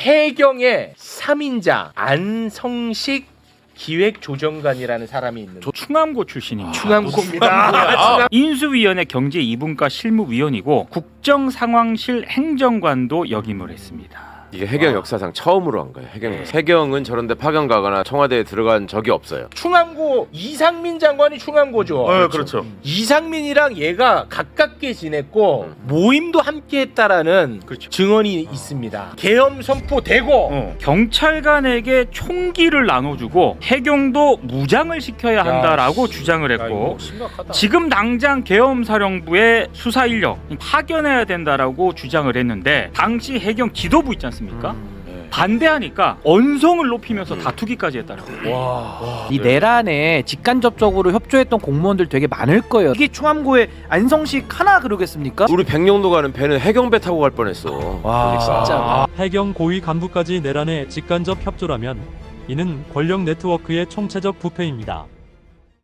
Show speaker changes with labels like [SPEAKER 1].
[SPEAKER 1] 해경의 3인자 안성식 기획조정관이라는 사람이 있는데
[SPEAKER 2] 충암고 출신입니다.
[SPEAKER 1] 충암고입니다.
[SPEAKER 2] 인수위원회 경제 2분과 실무위원이고 국정상황실 행정관도 역임을 했습니다.
[SPEAKER 3] 이게 해경 역사상 처음으로 한 거예요. 해경은 저런데 파견 가거나 청와대에 들어간 적이 없어요.
[SPEAKER 1] 충암고 이상민 장관이 충암고죠.
[SPEAKER 4] 그렇죠.
[SPEAKER 1] 이상민이랑 얘가 가깝게 지냈고 모임도 함께했다라는 증언이 있습니다. 계엄 선포되고
[SPEAKER 2] 경찰관에게 총기를 나눠주고 해경도 무장을 시켜야 한다라고 주장을 했고 지금 당장 계엄사령부의 수사 인력 파견해야 된다라고 주장을 했는데 당시 해경 지도부 있지 않습니까? 반대하니까 언성을 높이면서 다투기까지 했다라고.
[SPEAKER 5] 이 내란에 직간접적으로 협조했던 공무원들 되게 많을 거예요. 이게 충암고의 안성식 하나 그러겠습니까?
[SPEAKER 3] 우리 백령도 가는 배는 해경배 타고 갈 뻔했어.
[SPEAKER 5] 와 진짜.
[SPEAKER 6] 해경 고위 간부까지 내란에 직간접 협조라면 이는 권력 네트워크의 총체적 부패입니다.